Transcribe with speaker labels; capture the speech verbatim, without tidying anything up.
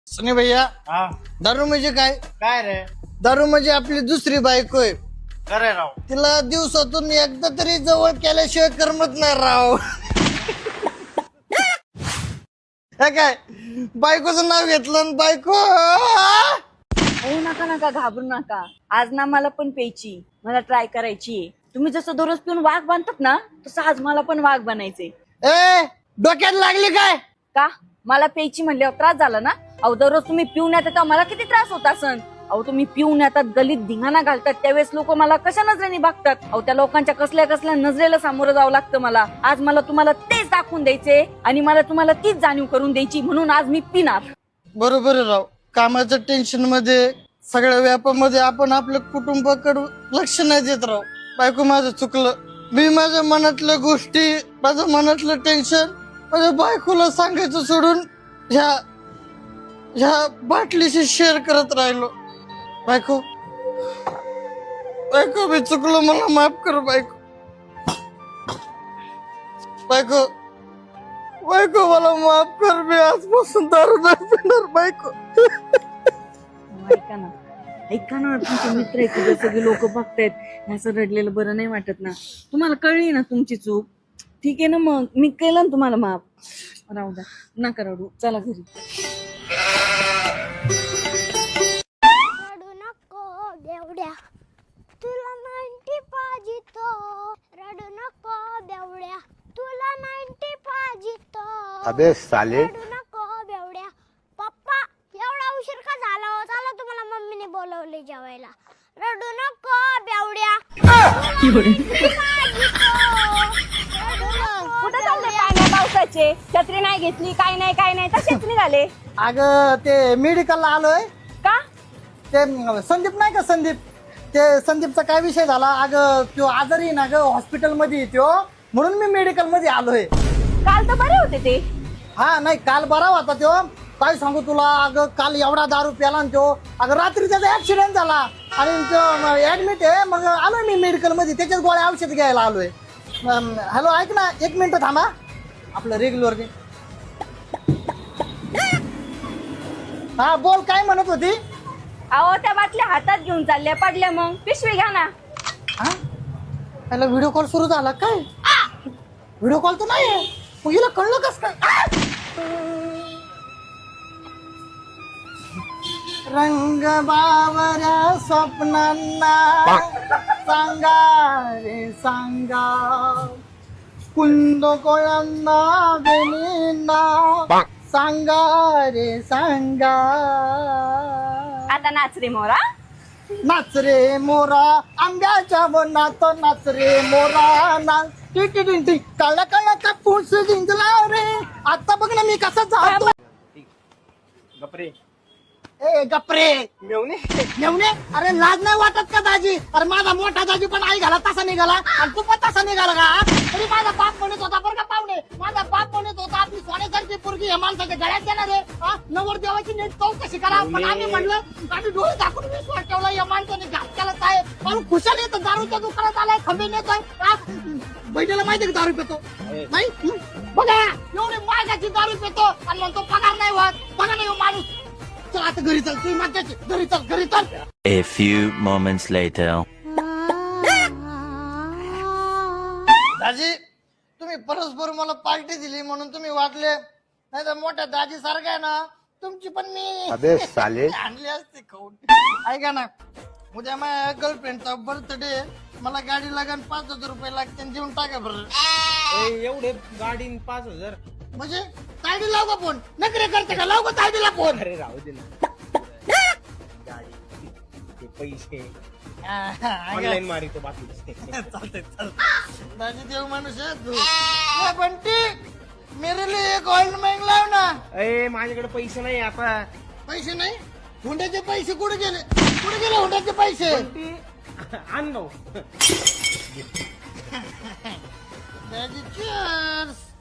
Speaker 1: सनी भैया
Speaker 2: हा
Speaker 1: दारू म्हणजे काय?
Speaker 2: काय रे
Speaker 1: दारू म्हणजे आपली दुसरी बायको आहे.
Speaker 2: खरे राव
Speaker 1: तिला दिवसातून एकदा तरी जवळ केल्याशिवाय करमत नाही राव. हे काय बायकोचं नाव घेतलं आणि बायको
Speaker 3: हो नका नका घाबरू नका. आज ना मला पण प्यायची, मला ट्राय करायची. तुम्ही जसं दररोज पिऊन वाघ बांधतात ना, तसं आज मला पण वाघ बनायचे.
Speaker 1: ए डोक्यात लागली काय?
Speaker 3: का मला प्यायची म्हणल्यावर त्रास झाला ना? अहो दररोज तुम्ही पिऊन येतात तेव्हा मला किती त्रास होत असन. अहो तुम्ही पिऊन येतात, गलीत धिंगाणा घालतात, त्यावेळेस लोक मला कशा नजरेने बघतात. अहो त्या लोकांच्या कसल्या कसल्या नजरेला सामोरं जावं लागतं मला. आज मला तुम्हाला तेच दाखवून द्यायचे आणि मला तुम्हाला तीच जाणीव करून द्यायची, म्हणून आज मी पिणार.
Speaker 1: बरोबर आहे राव. कामाच्या टेन्शन मध्ये सगळ्या व्यापामध्ये आपण आपल्या कुटुंबाकडे लक्ष नाही देत राव. बायको माझं चुकलं. मी माझ्या मनातल्या गोष्टी, माझ्या मनातलं टेन्शन माझ्या बायकोला सांगायचं सोडून ह्या ह्या बाटलीशी शेअर करत राहिलो. बायको बायको मी चुकलो, मला माफ कर बायको. बायको बायको मला माफ कर. मी आजपासून दारू नाही पिणार बायको.
Speaker 3: ऐका ना ऐका ना तुमचे मित्र आहेत तिथे सगळे लोक बघतायत. असं रडलेलं बरं नाही वाटत ना. तुम्हाला कळली ना तुमची चूक. ठीक आहे ना, मग मी केलं ना तुम्हाला माफ. राहू द्या, नका रडू, चला घरी.
Speaker 4: रडू नको बेवड्या, तुला नाईन्टी पाहिजे तो. रडू नको बेवड्या, तुला नाईन्टी पाहिजे तो.
Speaker 5: अबे साले.
Speaker 4: रडू नको बेवड्या. पप्पा एवढा उशीर का झाला हो? चला तुम्हाला मम्मीने बोलवले जेवायला. रडू नको बेवड्या.
Speaker 3: कुठे चालले काय नाही पावसाचे? छत्री नाही घेतली, काय नाही काय नाही, तसेच निघाले.
Speaker 1: अगं ते मेडिकलला आलोय.
Speaker 3: का?
Speaker 1: ते संदीप नाही का, संदीप, ते संदीपचा काय विषय झाला. अगं तो आजारी ना ग, हॉस्पिटल मध्ये तो, म्हणून मी मेडिकल मध्ये आलोय.
Speaker 3: काल तर बरे होते ते.
Speaker 1: हा नाही काल बरा होता तो. काय सांगू तुला, अगं काल एवढा दारू प्याला तो. अगं रात्री त्याचा ऍक्सिडेंट झाला आणि तो ऍडमिट आहे. मग आलोय मी मेडिकल मध्ये, त्याच्याच गोळ्या औषध घ्यायला आलोय. हॅलो ऐक ना, एक मिनिट थांबा. आपलं रेग्युलर हा बोल, काय म्हणत होती?
Speaker 3: अहो त्या बाटल्या हातात घेऊन चालल्या, पडल्या, मग पिशवी घ्या ना.
Speaker 1: हा त्याला व्हिडिओ कॉल सुरू झाला काय? व्हिडिओ कॉल तर नाही मग हिला कळलं कस काय? रंग बावऱ्या स्वप्नांना सांगा रे सांगा, कुंद कोळ्यांना बेनींना सांगा रे सांगा.
Speaker 3: आता नाच रे मोरा.
Speaker 1: नाच रे मोरा आंब्याच्या वनात, नाच रे मोरा नाच. काळा काळा कापूस जिंकला रे. आता बघ ना मी कसा जातो.
Speaker 2: गपरे
Speaker 1: ए गपरे
Speaker 2: मेवणे
Speaker 1: मेवणे. अरे लाज नाही वाटत का दाजी? अरे माझा मोठा दाजी पण आई घाला तसा निघाला आणि तू पण तसा निघाला का? तरी माझा बाप म्हणत होता बरं का पाहुणे, माझा बाप म्हणत होता आपली सोन्यासारखी पोरगी या माणसाच्या गळ्यात देणार आहे. नवर देवाची नीट चौकशी करा. पण आम्ही म्हणलं, आम्ही डोळे दाखवून विश्वास ठेवला. या माणसाने घात केलाच आहे. म्हणून खुशाल येतो, दारूच्या दुकानात आलाय, खंबे नेतोय. बहिणीला माहिती का दारू पितो? नाही बघा एवढी मागाची दारू पितो आणि म्हणतो पगार नाही होत. बघा नाही माणूस. चल आता घरी चल, तू माझ्याची घरी चल, घरी चल.
Speaker 6: A few moments later.
Speaker 1: दाजी तुम्ही परस्पर मला पार्टी दिली म्हणून तुम्ही वाटले, नाही तर मोठ्या दाजी सारखं आहे ना तुमची पण मी
Speaker 5: अबे साले.
Speaker 1: आणली असते खाऊन. ऐका ना, उद्या माझ्या गर्लफ्रेंडचा बर्थडे, मला गाडी लागेल, पाच हजार रुपये लागते, देऊन टाका बरं.
Speaker 2: ए, एवढे गाडीन पाच हजार
Speaker 1: म्हणजे तायडी लाव का फोन? नकरे करते का? लाव का तायडीला फोन?
Speaker 2: अरे राहू दे ना. गाडी ते पैसे ऑनलाईन मारितो बाकी.
Speaker 1: चालतंय चालतंय. दाजी देव माणूस आहे तू. ए, बंटी मेरे लिए एक ऑइल मँग लाव ना.
Speaker 2: ए माझ्याकडे पैसे नाही आता.
Speaker 1: पैसे नाही? हुंड्याचे पैसे कुठे गेले? कुठे गेले हुंड्याचे पैसे?
Speaker 2: आण भाऊ.
Speaker 1: दाजी cheers.